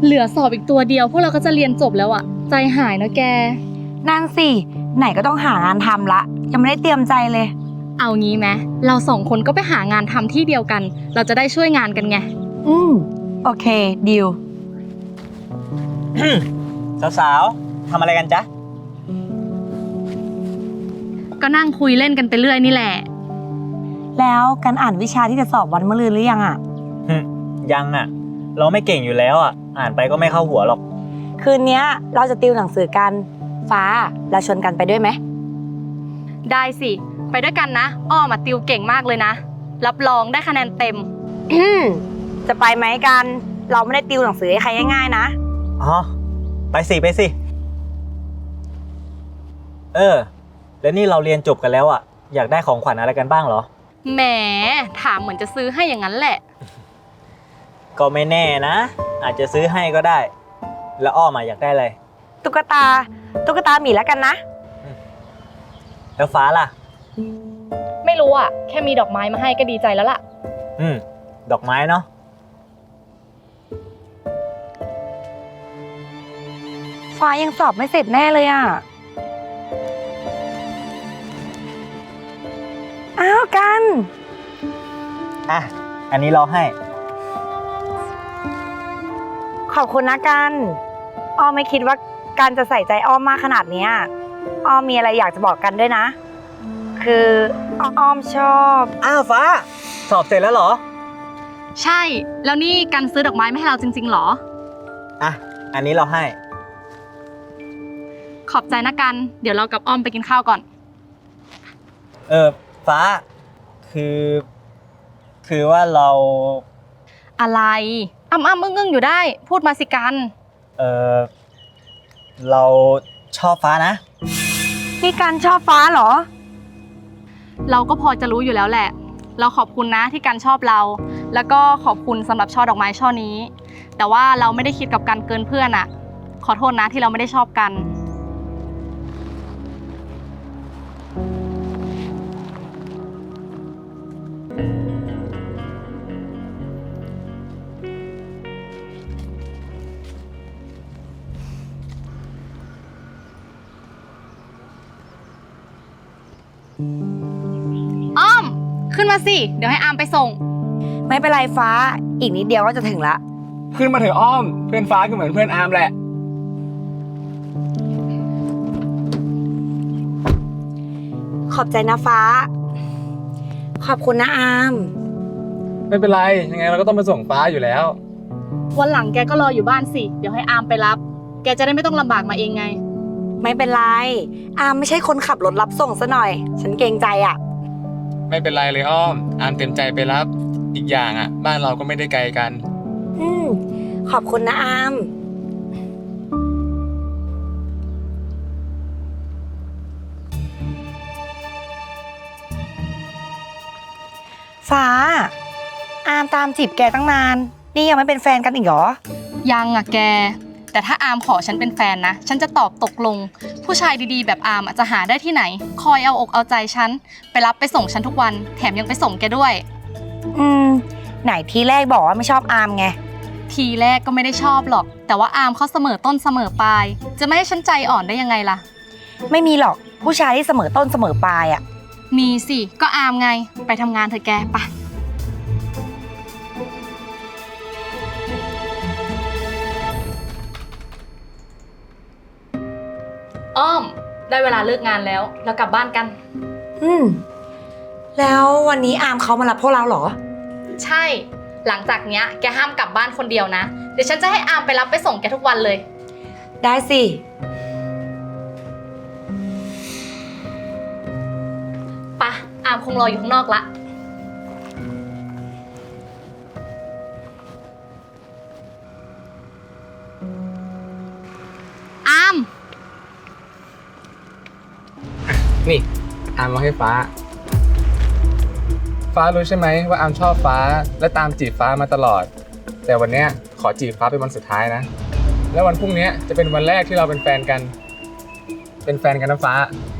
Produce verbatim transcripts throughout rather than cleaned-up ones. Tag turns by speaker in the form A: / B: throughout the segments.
A: เหลือสอบอีกตัวเดียวพวกเราก็จะเรียนจบแล้วอะใจหายนะแก
B: นั่นสิไหนก็ต้องหางานทำละยังไม่ได้เตรียมใจเลย
A: เอางี้ไหมเราสองคนก็ไปหางานทำที่เดียวกันเราจะได้ช่วยงานกันไง
B: อืมโอเคดิว
C: สาวๆทำอะไรกันจ๊ะ
A: ก็นั่งคุยเล่นกันไปเรื่อยนี่แหละ
B: แล้วการอ่านวิชาที่จะสอบวันมะรืนหรือยังอ่ะ
C: ยังอ่ะเราไม่เก่งอยู่แล้วอ่ะอ่านไปก็ไม่เข้าหัวหรอก
B: คืนนี้เราจะติวหนังสือกันฟ้าเราชวนกันไปด้วยไหม
A: ได้สิไปด้วยกันนะอ้อมาติวเก่งมากเลยนะรับรองได้คะแนนเต็ม
B: จะไปไหมกันเราไม่ได้ติวหนังสือให้ใครง่ายๆนะ
C: อ๋อไปสิไปสิเออแล้วนี่เราเรียนจบกันแล้วอ่ะอยากได้ของขวัญอะไรกันบ้างเหรอ
A: แหมถามเหมือนจะซื้อให้อย่างนั้นแหละ
C: ก็ไม่แน่นะอาจจะซื้อให้ก็ได้แล้วอ้อมาอยากได้อะไร
B: ตุ๊กตาตุ๊กตาหมีแล้วกันนะ
C: แล้วฟ้าล่ะ
A: ไม่รู้อ่ะแค่มีดอกไม้มาให้ก็ดีใจแล้วล่ะ
C: อืมดอกไม้เนาะ
B: ฟ้ายังสอบไม่เสร็จแน่เลยอ่ะอ้าวกัน
C: อ่ะอันนี้เราให้
B: ขอบคุณนะกันอ้อมไม่คิดว่ากันจะใส่ใจอ้อมมากขนาดนี้อ้อมมีอะไรอยากจะบอกกันด้วยนะคืออ้อมชอบ
C: อ้าวฟ้าสอบเสร็จแล้วเหรอ
A: ใช่แล้วนี่กันซื้อดอกไม้มาให้เราจริงๆหรอ
C: อ่ะอันนี้เราให้
A: ขอบใจนะกันเดี๋ยวเรากับอ้อมไปกินข้าวก่อน
C: เออฟ้าคือคือว่าเรา
A: อะไรอ้ำอ้ำอึ้งอึ้งอยู่ได้พูดมาสิกัน
C: เออเราชอบฟ้านะ
B: นี่กันชอบฟ้าเหรอ
A: เราก็พอจะรู้อยู่แล้วแหละเราขอบคุณนะที่กันชอบเราแล้วก็ขอบคุณสำหรับช่อดอกไม้ช่อนี้แต่ว่าเราไม่ได้คิดกับกันเกินเพื่อนอะขอโทษนะที่เราไม่ได้ชอบกันอ้อมขึ้นมาสิเดี๋ยวให้อามไปส่ง
B: ไม่เป็นไรฟ้าอีกนิดเดียวก็จะถึงละ
D: ขึ้นมาเถอะอ้อมเพื่อนฟ้าก็เหมือนเพื่อนอามแหละ
B: ขอบใจนะฟ้าขอบคุณนะอาม
D: ไม่เป็นไรยังไงเราก็ต้องไปส่งฟ้าอยู่แล้ว
A: วันหลังแกก็รออยู่บ้านสิเดี๋ยวให้อามไปรับแกจะได้ไม่ต้องลำบากมาเองไง
B: ไม่เป็นไรอามไม่ใช่คนขับรถรับส่งซะหน่อยฉันเกรงใจอ่ะ
D: ไม่เป็นไรเลยอ้อมอามเต็มใจไปรับอีกอย่างอ่ะบ้านเราก็ไม่ได้ไกลกัน
B: อืมขอบคุณนะอามฟ้าอามตามจีบแกตั้งนานนี่ยังไม่เป็นแฟนกันอีกเหรอ
A: ยังอ่ะแกแต่ถ้าอามขอฉันเป็นแฟนนะฉันจะตอบตกลงผู้ชายดีๆแบบอามจะหาได้ที่ไหนคอยเอาอกเอาใจฉันไปรับไปส่งฉันทุกวันแถมยังไปส่งแกด้วย
B: อืมไหนทีแรกบอกว่าไม่ชอบอามไง
A: ทีแรกก็ไม่ได้ชอบหรอกแต่ว่าอามเขาเสมอต้นเสมอปลายจะไม่ให้ฉันใจอ่อนได้ยังไงล่ะ
B: ไม่มีหรอกผู้ชายที่เสมอต้นเสมอปลายอ่ะ
A: มีสิก็อามไงไปทำงานเถอะแกไปอ้อมได้เวลาเลิกงานแล้วเรากลับบ้านกัน
B: อืมแล้ววันนี้อามเขามารับพวกเราเหรอ
A: ใช่หลังจากเนี้ยแกห้ามกลับบ้านคนเดียวนะเดี๋ยวฉันจะให้อามไปรับไปส่งแกทุกวันเลย
B: ได้สิ
A: ปะอามคงรออยู่ข้างนอกละอาม
D: นี่อามมาให้ฟ้าฟ้ารู้ใช่ไหมว่าอามชอบฟ้าและตามจีบฟ้ามาตลอดแต่วันนี้ขอจีบฟ้าเป็นวันสุดท้ายนะแล้ววันพรุ่งนี้จะเป็นวันแรกที่เราเป็นแฟนกันเป็นแฟนกันนะฟ้า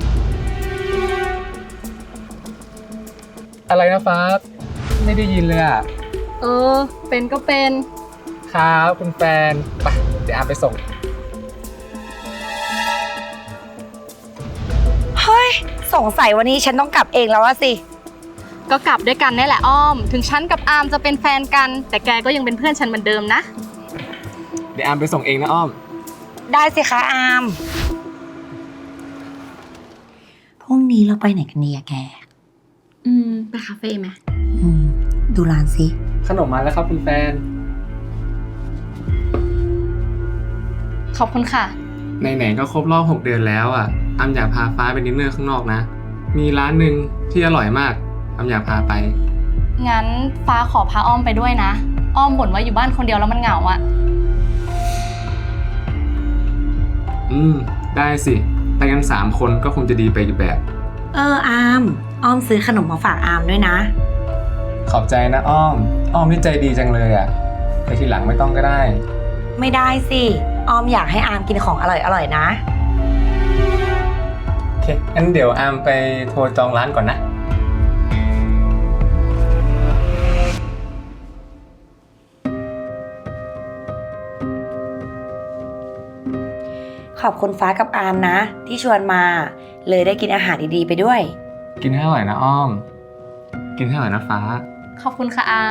D: อะไรนะฟ้าไม่ได้ยินเลยอ่ะ
A: เออเป็นก็เป็น
D: ครับคุณแฟนไปเดี๋ยวอามไปส่ง
B: เฮ้ย สงสัยวันนี้ฉันต้องกลับเองแล้วอะสิ
A: ก็กลับด้วยกันนี่แหละอ้อม ถึงฉันกับอามจะเป็นแฟนกัน แต่แกก็ยังเป็นเพื่อนฉันเหมือนเดิมนะ
D: เดี๋ยวอามไปส่งเองนะอ้อม
B: ได้สิคะอาม พรุ่งนี้เราไปไหนกันดีอะแก
A: อืม ไปคาเฟ่ไหม
B: อืม ดูร้านสิ
D: ขนมมาแล้วครับคุณแฟน
A: ขอบคุณค่ะ
D: ไหนๆก็ครบรอบหกเดือนแล้วอ่ะอามอยากพาฟ้าไปดินเนอร์ข้างนอกนะ มีร้านหนึ่งที่อร่อยมากอามอยากพาไป
A: งั้นฟ้าขอพาอ้อมไปด้วยนะ อ้อมบ่นว่าอยู่บ้านคนเดียวแล้วมันเหงาอะ
D: อืม ได้สิ ไปกันสามคนก็คงจะดีไปอีกแบบ
B: เอออาม อ้อมซื้อขนมมาฝากอามด้วยนะ
D: ขอบใจนะอ้อม อ้อมนี่ใจดีจังเลยอ่ะแต่ทีหลังไม่ต้องก็ได้
B: ไม่ได้สิ ออมอยากให้อามกินของอร่อยๆนะ
D: โอเค งั้นเดี๋ยวอามไปโทรจองร้านก่อนนะ
B: ขอบคุณฟ้ากับอามนะ ที่ชวนมา เลยได้กินอาหารดีๆไปด้วย
D: กินให้อร่อยนะอ้อม กินให้อร่อยนะฟ้า
A: ขอบคุณค่ะอาม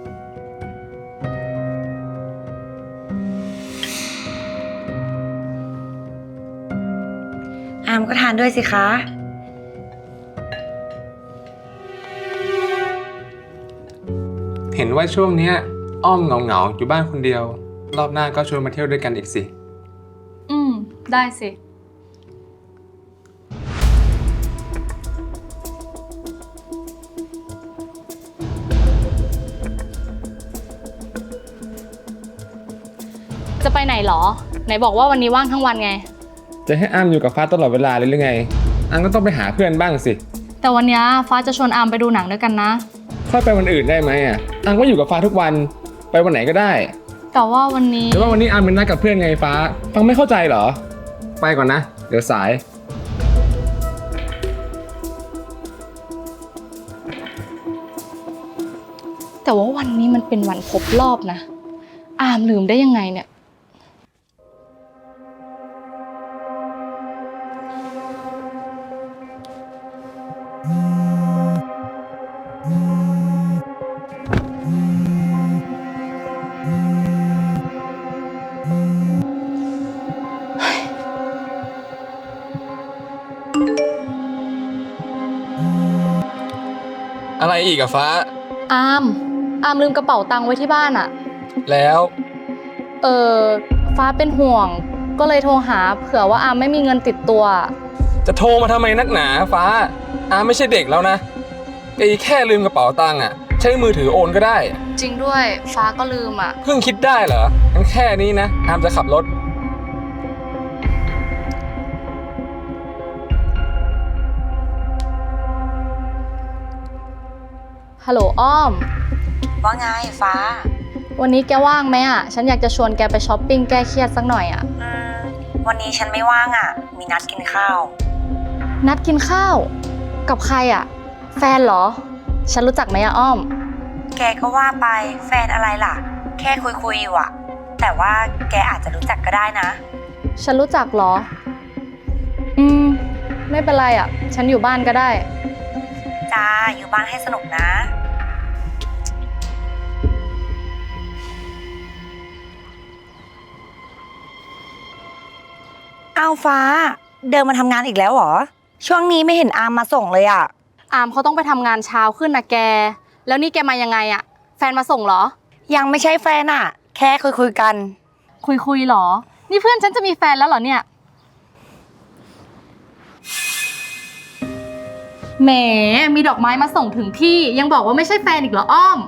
B: อามก็ทานด้วยสิคะ
D: เห็นว่าช่วงเนี้ยอ้อมเหงาๆอยู่บ้านคนเดียว รอบหน้าก็ชวนมาเที่ยวด้วยกันอีกสิ
A: อืม ได้สิ จะไปไหนเหรอ ไหนบอกว่าวันนี้ว่างทั้งวันไง
D: จะให้อ้ามอยู่กับฟ้าตลอดเวลาเลยหรือไงอ้ามก็ต้องไปหาเพื่อนบ้างสิ
A: แต่วันนี้ฟ้าจะชวนอามไปดูหนังด้วยกันนะ
D: ค่อยไปวันอื่นได้ไหมอ่ะอ้ามก็อยู่กับฟ้าทุกวัน ไปวันไหนก็ได้
A: แต่ว่าวันนี้
D: แต่ว่าวันนี้อ้ามเป็นนัดกับเพื่อนไงฟ้า ฟังไม่เข้าใจเหรอ ไปก่อนนะ เดี๋ยวสาย
A: แต่ว่าวันนี้มันเป็นวันครบรอบนะ อามลืมได้ยังไงเนี่ย
D: อะไรอีกอะฟ้า
A: อาม อามลืมกระเป๋าตังค์ไว้ที่บ้านอะ
D: แล้ว
A: เออฟ้าเป็นห่วง ก็เลยโทรหาเผื่อว่าอามไม่มีเงินติดตัว
D: จะโทรมาทำไมนักหนาฟ้า อ้ามไม่ใช่เด็กแล้วนะไอ้แค่ลืมกระเป๋าตังค์อะใช้มือถือโอนก็ได้
A: จริงด้วย ฟ้าก็ลืมอะ
D: เพิ่งคิดได้เหรองั้นแค่นี้นะอ้ามจะขับรถ
A: ฮัลโหลอ้อม
B: ว่าไงฟ้า
A: วันนี้แกว่างไหมอะฉันอยากจะชวนแกไปช้อปปิ้งแก้เครียดสักหน่อยอะ
B: อืม วันนี้ฉันไม่ว่างอ่ะ มีนัดกินข้าว
A: นัดกินข้าว กับใครอะแฟนเหรอ ฉันรู้จักไหมอะอ้อม
B: แกก็ว่าไปแฟนอะไรล่ะ แค่คุยคุยอยู่อะแต่ว่าแกอาจจะรู้จักก็ได้นะ
A: ฉันรู้จักเหรอ อืม ไม่เป็นไรอะฉันอยู่บ้านก็ได้
B: จ้า อยู่บ้านให้สนุกนะ อ้าวฟ้า เดินมาทำงานอีกแล้วเหรอ ช่วงนี้ไม่เห็นอามมาส่งเลยอะ
A: อามเขาต้องไปทำงานเช้าขึ้นนะแก แล้วนี่แกมายังไงอะแฟนมาส่งเหรอ
B: ยังไม่ใช่แฟนอะแค่คุยคุยกัน
A: คุยคุยเหรอ นี่เพื่อนฉันจะมีแฟนแล้วเหรอเนี่ย แหม มีดอกไม้มาส่งถึงที่ ยังบอกว่าไม่ใช่แฟนอีกเหรออ้อม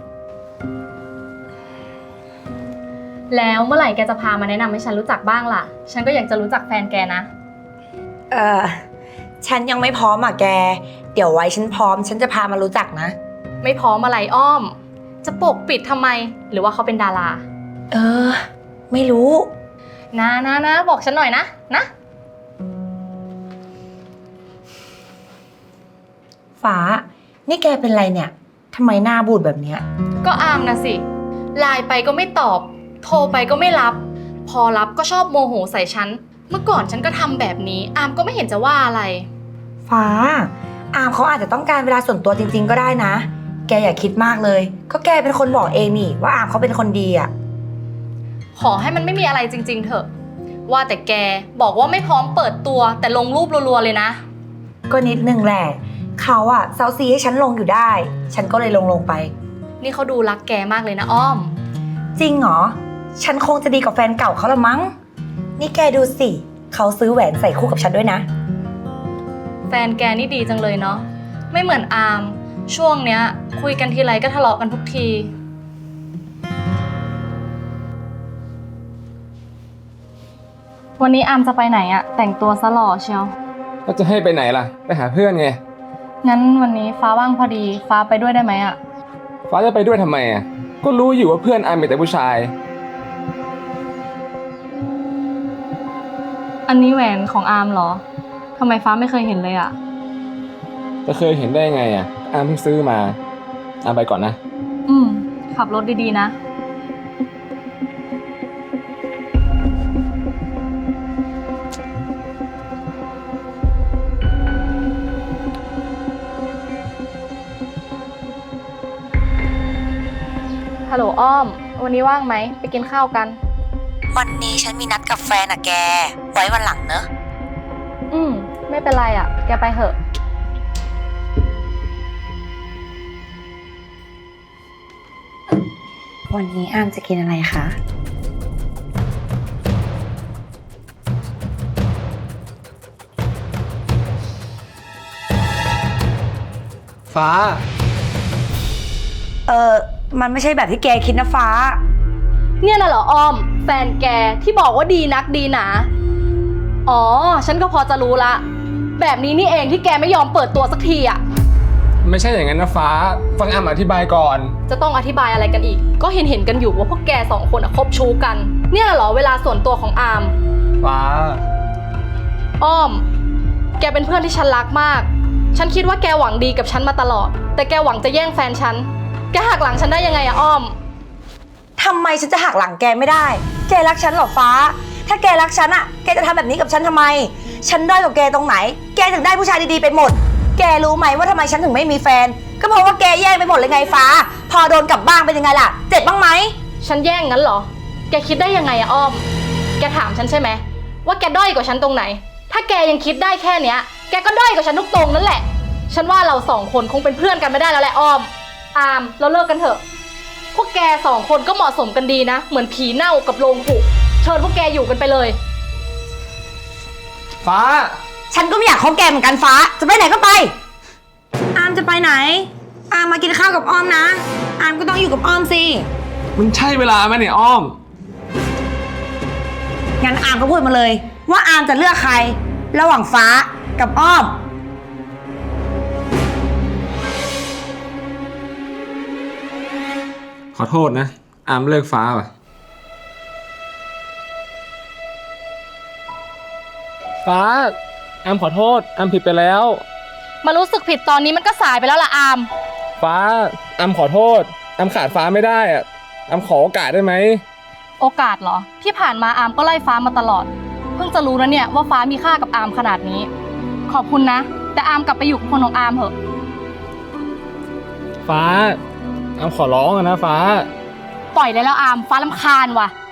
A: แล้วเมื่อไหร่แกจะพามาแนะนำให้ฉันรู้จักบ้างล่ะ ฉันก็อยากจะรู้จักแฟนแกนะ
B: เออฉันยังไม่พร้อมอะแก เดี๋ยวไว้ฉันพร้อม ฉันจะพามารู้จักนะ
A: ไม่พร้อมอะไรอ้อม จะปกปิดทำไม หรือว่าเขาเป็นดารา
B: เออ ไม่รู้
A: นะนะนะบอกฉันหน่อยนะ นะ
B: ฟ้า นี่แกเป็นไรเนี่ยทำไมหน้าบูดแบบเนี้ย
A: ก็อามนะสิ ไลน์ไปก็ไม่ตอบ โทรไปก็ไม่รับพอรับก็ชอบโมโหใส่ฉัน เมื่อก่อนฉันก็ทำแบบนี้ อามก็ไม่เห็นจะว่าอะไร
B: ฟ้า อามเขาอาจจะต้องการเวลาส่วนตัวจริงๆก็ได้นะ แกอย่าคิดมากเลย ก็แกเป็นคนบอกเองนี่ว่าอามเขาเป็นคนดีอะ
A: ขอให้มันไม่มีอะไรจริงๆเถอะ ว่าแต่แกบอกว่าไม่พร้อมเปิดตัวแต่ลงรูปรัวๆเลยนะ
B: ก็นิดนึงแหละ เขาอะเซาซีให้ฉันลงอยู่ได้ ฉันก็เลยลงลงไป
A: นี่เขาดูรักแกมากเลยนะอ้อม
B: จริงเหรอ ฉันคงจะดีกว่าแฟนเก่าเขาละมั้ง นี่แกดูสิ เขาซื้อแหวนใส่คู่กับฉันด้วยนะ
A: แฟนแกนี่ดีจังเลยเนาะ ไม่เหมือนอาม ช่วงเนี้ย คุยกันทีไรก็ทะเลาะกันทุกที วันนี้อามจะไปไหนอะแต่งตัวซะหล่อเชียว
D: ก็จะให้ไปไหนล่ะ ไปหาเพื่อนไง
A: งั้นวันนี้ฟ้าว่างพอดี ฟ้าไปด้วยได้ไหมอะ
D: ฟ้าจะไปด้วยทำไมอ่ะ ก็รู้อยู่ว่าเพื่อนอามมีแต่ผู้ชาย
A: อันนี้แหวนของอามเหรอ ทำไมฟ้าไม่เคยเห็นเลยอะ
D: จะเคยเห็นได้ไงอ่ะ อามเพิ่งซื้อมา อามไปก่อนนะ
A: อืม ขับรถดีๆนะ ฮัลโหลอ้อม วันนี้ว่างไหม ไปกินข้าวกัน
B: วันนี้ฉันมีนัดกับแฟนอะแก ไว้วันหลังเนอะ
A: อืม ไม่เป็นไรอะแกไปเถอะ
B: วันนี้อามจะกินอะไรคะ
D: ฟ้า
B: เออมันไม่ใช่แบบที่แกคิดนะฟ้า
A: เนี่ยน่ะเหรออ้อม แฟนแกที่บอกว่าดีนักดีหนา อ๋อ ฉันก็พอจะรู้ละ แบบนี้นี่เองที่แกไม่ยอมเปิดตัวสักทีอะ
D: ไม่ใช่อย่างนั้นนะฟ้า ฟังอามอธิบายก่อน
A: จะต้องอธิบายอะไรกันอีก ก็เห็นเห็นกันอยู่ว่าพวกแกสองคนอะคบชู้กัน เนี่ยเหรอเวลาส่วนตัวของอาม
D: ฟ้า
A: อ้อม แกเป็นเพื่อนที่ฉันรักมาก ฉันคิดว่าแกหวังดีกับฉันมาตลอด แต่แกหวังจะแย่งแฟนฉัน แกหักหลังฉันได้ยังไงอะอ้อม
B: ทำไมฉันจะหักหลังแกไม่ได้ แกรักฉันเหรอฟ้า ถ้าแกรักฉันอะแกจะทำแบบนี้กับฉันทำไม ฉันด้อยกว่าแกตรงไหน แกถึงได้ผู้ชายดีๆไปหมด แกรู้ไหมว่าทำไมฉันถึงไม่มีแฟน ก็เพราะว่าแกแย่งไปหมดเลยไงฟ้า พอโดนกลับบ้านเป็นยังไงล่ะ เจ็บบ้างไหม
A: ฉันแย่งงั้นเหรอ แกคิดได้ยังไงอะอ้อม แกถามฉันใช่ไหมว่าแกด้อยกว่าฉันตรงไหน ถ้าแกยังคิดได้แค่เนี้ย แกก็ด้อยกว่าฉันทุกตรงนั่นแหละ ฉันว่าเราสองคนคงเป็นเพื่อนกันไม่ได้แล้วแหละอ้อม อาม เราเลิกกันเถอะ พวกแกสองคนก็เหมาะสมกันดีนะ เหมือนผีเน่ากับโลงผุ เชิญพวกแกอยู่กันไปเลย
D: ฟ้า
B: ฉันก็ไม่อยากคบแกเหมือนกันฟ้า จะไปไหนก็ไป อามจะไปไหน อามมากินข้าวกับอ้อมนะ อามก็ต้องอยู่กับอ้อมสิ
D: มันใช่เวลาไหมเนี่ยอ้อม
B: งั้นอามก็พูดมาเลย ว่าอามจะเลือกใคร ระหว่างฟ้ากับอ้อม
D: ขอโทษนะ อามเลิกฟ้าว่ะ ฟ้า อามขอโทษ อามผิดไปแล้ว
A: มารู้สึกผิดตอนนี้มันก็สายไปแล้วล่ะอาม
D: ฟ้า อามขอโทษ อามขาดฟ้าไม่ได้อะอามขอโอกาสได้ไหม
A: โอกาสเหรอ ที่ผ่านมาอามก็ไล่ฟ้ามาตลอด เพิ่งจะรู้นะเนี่ยว่าฟ้ามีค่ากับอามขนาดนี้ ขอบคุณนะ แต่อามกลับไปอยู่กับคนของอามเถอะ
D: ฟ้า อามขอร้องอะนะฟ้า
A: ปล่อยได้แล้วอาม ฟ้ารำคาญว่ะ